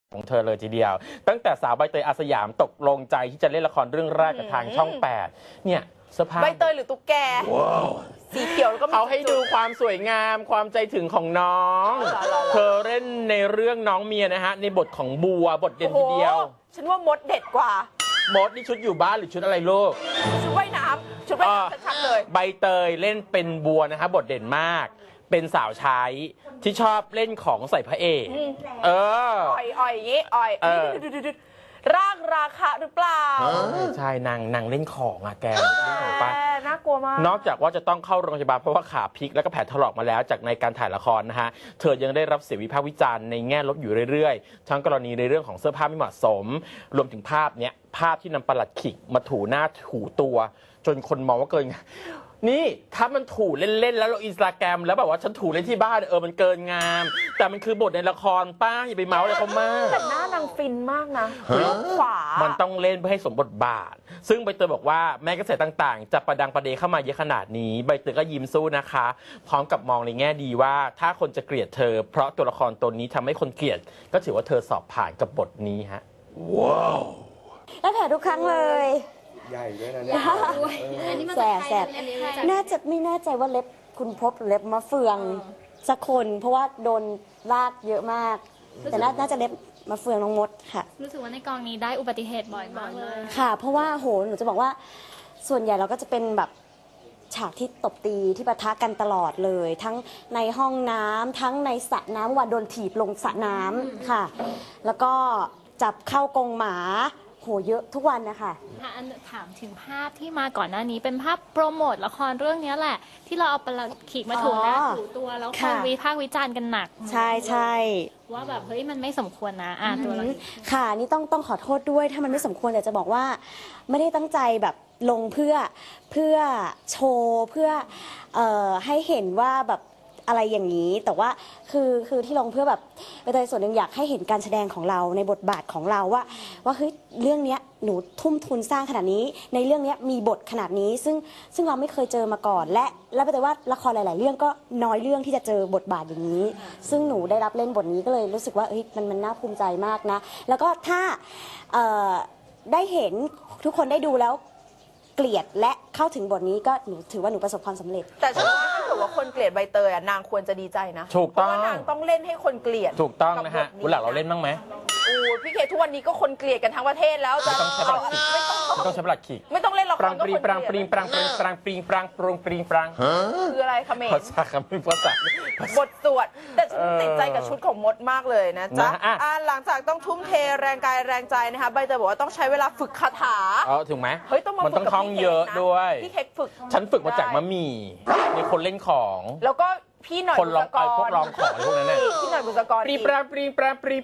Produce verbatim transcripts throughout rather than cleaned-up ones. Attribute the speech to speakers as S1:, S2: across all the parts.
S1: ของเธอเลยทีเดียวตั้งแต่สาวใบเตยอาสยามตกลงใจที่จะเล่นละครเรื่องแรกกับทางช่องแปดเนี่ยเสื้อผ้า
S2: ใบเตยหรือตุ๊กแกสีเขียวแล้วก็
S1: เอาให้ดูความสวยงามความใจถึงของน้องเธอเล่นในเรื่องน้องเมียนะฮะในบทของบัวบทเด่นทีเดียว
S2: ฉันว่ามดเด็ดกว่าม
S1: ดนี่ชุดอยู่บ้านหรือชุดอะไรลูก
S2: ชุดว่ายน้ำชุดว่ายน้ำชัดๆเลย
S1: ใบเตยเล่นเป็นบัวนะฮะบทเด่นมากเป็นสาวใช้ที่ชอบเล่นของใส่พระเอกเออ
S2: อ่อยอ่อยอย่างงี้อ่อยร่างราคาหรือเปล่า
S1: ใช่นางนางเล่นของอะแกเล่นของป้า
S2: น่ากลัวมาก
S1: นอกจากว่าจะต้องเข้าโรงพยาบาลเพราะว่าขาพลิกแล้วก็แผลถลอกมาแล้วจากในการถ่ายละครนะฮะเธอยังได้รับเสียงวิพากษ์วิจารณ์ในแง่ลบอยู่เรื่อยๆทั้งกรณีในเรื่องของเสื้อผ้าไม่เหมาะสมรวมถึงภาพเนี้ยภาพที่นำปลัดขิกมาถูหน้าถูตัวจนคนมองว่าเกินนี่ถ้ามันถูเล่นๆแล้วลงอินสตาแกรมแล้วแบบว่าฉันถูเล่นที่บ้านเออมันเกินงามแต่มันคือบทในละครป้าอย่าไปเมาส์อะไรเขามาก
S2: แต่หน้านางฟินมากนะขวา
S1: มันต้องเล่นเพื่อให้สมบทบาทซึ่งใบเตยบอกว่าแม้กระแสต่างๆจะประดังประเดเข้ามาเยอะขนาดนี้ใบเตยก็ยิ้มสู้นะคะพร้อมกับมองในแง่ดีว่าถ้าคนจะเกลียดเธอเพราะตัวละครตัวนี้ทำให้คนเกลียดก็ถือว่าเธอสอบผ่านกับบทนี้ฮะว้าว
S3: แล้วแผลทุกครั้งเลย
S4: ใหญ่ด้วยนะเนี่ย
S3: แสบแสบน่าจะไม่แน่ใจว่าเล็บคุณพบเล็บมะเฟืองสักคนเพราะว่าโดนลากเยอะมากแต่น่าจะเล็บมะเฟืองน้องมดค่ะ
S5: รู้สึกว่าในกองนี้ได้อุบัติเหตุบ่อยมากเลย
S3: ค่ะเพราะว่าโหหนูจะบอกว่าส่วนใหญ่เราก็จะเป็นแบบฉากที่ตบตีที่ปะทะกันตลอดเลยทั้งในห้องน้ำทั้งในสระน้ำว่าโดนถีบลงสระน้ำค่ะแล้วก็จับเข้ากรงหมาโหเยอะทุกวันนะคะ
S5: ถามถึงภาพที่มาก่อนหน้านี้เป็นภาพโปรโมทละครเรื่องนี้แหละที่เราเอาปลัดขีดมาถูหน้าถูตัวแล้วคนวิพากษ์วิจารณ์กันหนัก
S3: ใช่ใช่
S5: ว่าแบบเฮ้ยมันไม่สมควรนะอ่าตัวเรา
S3: ค่ะนี่ต้องต้องขอโทษด้วยถ้ามันไม่สมควรแต่จะบอกว่าไม่ได้ตั้งใจแบบลงเพื่อเพื่อโชว์เพื่อเอ่อให้เห็นว่าแบบอะไรอย่างนี้แต่ว่าคือคือที่ลงเพื่อแบบโดยส่วนหนึ่งอยากให้เห็นการแสดงของเราในบทบาทของเราว่าว่าเฮ้ยเรื่องนี้หนูทุ่มทุนสร้างขนาดนี้ในเรื่องนี้มีบทขนาดนี้ซึ่งซึ่งเราไม่เคยเจอมาก่อนและและแต่ว่าละครหลายๆเรื่องก็น้อยเรื่องที่จะเจอบทบาทอย่างนี้ซึ่งหนูได้รับเล่นบทนี้ก็เลยรู้สึกว่าเฮ้ยมันมันน่าภูมิใจมากนะแล้วก็ถ้าได้เห็นทุกคนได้ดูแล้วเกลียดและเข้าถึงบทนี้ก็หนูถือว่าหนูประสบความสำเร็จ
S2: แต่ฉันว่าถ้าเกิดว่าคนเกลียดใบเตยอ่ะนางควรจะดีใจนะ
S1: ถูกต้อง
S2: เพราะว่านางต้องเล่นให้คนเกลียด
S1: ถูกต้องนะฮะวันหลังเราเล่นบ้างไหม
S2: โอ้พี่เคทุกวันนี้ก็คนเกลียดกันทั้งประเทศแล้วจะ
S1: ไม่ต้องใช้ปลัดขีด
S2: ไม่ต้องเล่นละคร
S1: ปรางปรีปรางปรีปรางปรีปรางปรีปรางปรงปรีปราง
S2: คืออะไรคะเมย์
S1: ภาษาคำไม่ภาษา
S2: บทสวดแต่ฉันติดใจกับชุดของมดมากเลยนะจ๊ะหลังจากต้องทุ่มเทแรงกายแรงใจนะคะใบเตยบอกว่าต้องใช้เวลาฝึกคาถา
S1: เออถึงไหม
S2: เฮ้ยต้อง
S1: มันต้องท่องเยอะด้วย
S2: พี่เค้กฝึก
S1: ฉันฝึกมาจากมะหมี่มีคนเล่นของ
S2: แล้วก็พี่หน่อย
S1: คนร้องไอ้พวกร้องของพวกนั้นน่ะ
S2: พี่หน่อยบุษกร
S1: ปรีปรางปรีปรางปรี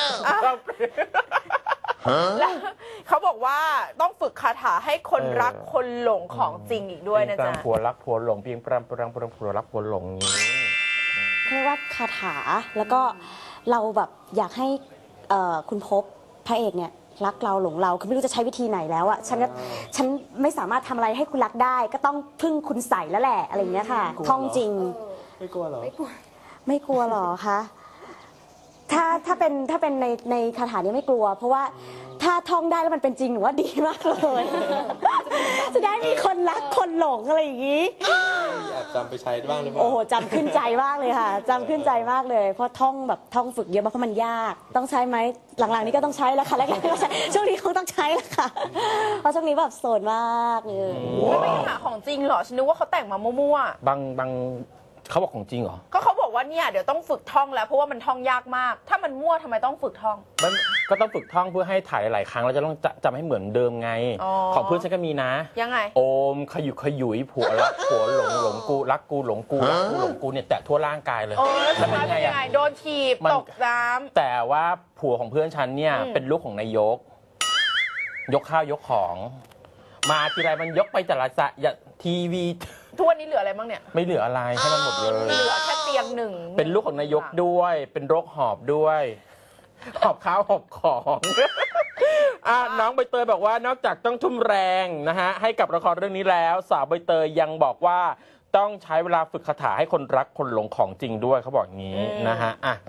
S2: แล้วเขาบอกว่าต้องฝึกคาถาให้คนรักคนหลงของจริงอีกด้วยนะจ๊ะ
S1: ผัวรักผัวหลงเพียงปรางปรางปรางผัวรักผัวหลงนี้
S3: เรียกว่าคาถาแล้วก็เราแบบอยากให้คุณพบพระเอกเนี่ยรักเราหลงเราคือไม่รู้จะใช้วิธีไหนแล้วอะฉันฉันไม่สามารถทำอะไรให้คุณรักได้ก็ต้องพึ่งคุณใส่แล้วแหละอะไรอย่างเงี้ยค่ะท่องจริง
S4: ไม่กลัวหรอ
S3: ไม่กลัวไม่กลัวหรอคะถ้าถ้าเป็นถ้าเป็นในในคาถานี้ไม่กลัวเพราะว่าถ้าท่องได้แล้วมันเป็นจริงหนูว่าดีมากเลยจะได้มีคนรักคนหลงอะไรอย่างงี้
S4: แอบจำไปใช้บ้างหรือเปล่า
S3: โอ้โหจำขึ้นใจมากเลยค่ะจำขึ้นใจมากเลยเพราะท่องแบบท่องฝึกเยอะมากเพราะมันยากต้องใช้ไหมหลังๆนี้ก็ต้องใช้แล้วค่ะแล้วก็ช่วงนี้คงต้องใช้แล้วค่ะเพราะช่วงนี้แบบโสดมากเลย
S2: ไม่หาของจริงเหรอฉันนึกว่าเขาแต่งมามั่ว
S1: ๆบางบางเขาบอกของจริงเหรอ
S2: ก็เขาบอกว่าเนี่ยเดี๋ยวต้องฝึกท่องแล้วเพราะว่ามันท่องยากมากถ้ามันมั่วทำไมต้องฝึกท่อง
S1: มันก็ต้องฝึกท่องเพื่อให้ถ่ายหลายครั้งแล้วจะต้องจำให้เหมือนเดิมไงของเพื่อนฉันก็มีนะ
S2: ยังไง
S1: โอมขยุกขยุยผัวรักผัวหลงหลงกูรักกูหลงกูรักกูหลงกูเนี่ยแตะทั่วร่างกายเลย
S2: แล้วเป็นไงอะโดนถีบตกน้
S1: ำแต่ว่าผัวของเพื่อนฉันเนี่ยเป็นลูกของนายกยกข้าวยกของมาทีไรมันยกไปแต่ละจะทีวี
S2: ทุกวันนี้เหลืออะไรบ้างเนี่ย
S1: ไม่เหลืออะไรให้มันหมดเลย
S2: เหลือแค่เตียงหนึ่ง
S1: เป็นลูกของนายกด้วยเป็นโรคหอบด้วยหอบข้าวหอบของอ่ะน้องใบเตยบอกว่านอกจากต้องทุ่มแรงนะฮะให้กับละครเรื่องนี้แล้วสาวใบเตยยังบอกว่าต้องใช้เวลาฝึกคาถาให้คนรักคนหลงของจริงด้วยเขาบอกอย่างนี้นะฮะอ่ะ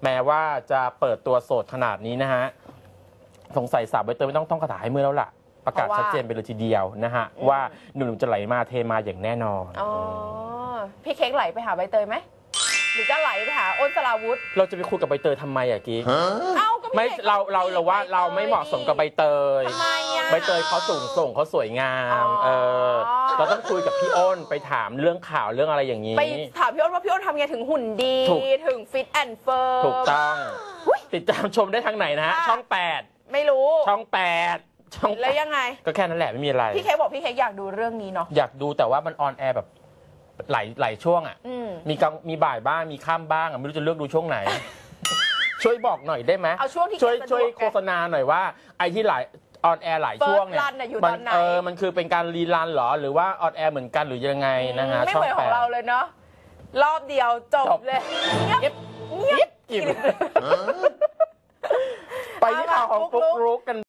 S1: แม้ว่าจะเปิดตัวโสดขนาดนี้นะฮะสงสัยสาวใบเตยไม่ต้องท่องคาถาให้มือแล้วล่ะประกาศชัดเจนไปเลยทีเดียวนะฮะว่าหนุ่มๆจะไหลมาเทมาอย่างแน่นอน
S2: อ๋อพี่เค้กไหลไปหาใบเตยไหมหรือจะไหลไปหาอ้นสราวุธ
S1: เราจะไปคุยกับใบเตยทำไมอะกิ๊ก
S2: เอ้าก็พี่
S1: ไม่
S2: ค้ก
S1: เราเราเราว่าเราไม่เหมาะสมกับใบเตย
S2: ทำไมอะ
S1: ใบเตยเขาสูงส่งเขาสวยงาม
S2: อ๋อ
S1: เออเราต้องคุยกับพี่อ้นไปถามเรื่องข่าวเรื่องอะไรอย่างนี้
S2: ไปถามพี่อ้นว่าพี่อ้นทำไงถึงหุ่นดี
S1: ถูก
S2: ถึงฟิตแอนด์เฟิร์ม
S1: ถูกต้องติดตามชมได้ทางไหนนะฮะ
S2: ค่ะ
S1: ช่องแปด
S2: ไม่รู้
S1: ช่องแปดช่องแปด
S2: แล้วยังไง
S1: ก็แค่นั้นแหละไม่มีอะไร
S2: พี่เค้กบอกพี่เค้กอยากดูเรื่องนี้เนาะ
S1: อยากดูแต่ว่ามันออนแอร์แบบหลายหลายช่วงอ่ะ
S2: อืม
S1: มีกลางมีบ่ายบ้างมีค่ำบ้างอ่ะไม่รู้จะเลือกดูช่วงไหน ช่วยบอกหน่อยได้ไหม
S2: เอาช่วงที่
S1: ช่วย
S2: แกสะดวก
S1: ช่วย
S2: ไง
S1: โฆษณาหน่อยว่าไอ้ที่หลายออนแอร์หลายช่วงเนี่ย
S2: First run น่ะอยู่
S1: มั
S2: ตอนไหน
S1: เออมันคือเป็นการรีรันเหรอหรือว่าออนแอร์เหมือนกันหรือยังไงนะฮะ
S2: ไม่
S1: ช่อ
S2: เห
S1: ง
S2: มือนข
S1: แป
S2: อง
S1: ด
S2: เราเลยเนาะรอบเดียวจบ
S1: จบ
S2: เลย
S1: เงียบ
S2: เงียบ
S1: กิบไปที่ข่าวของปุ๊กลุกกัน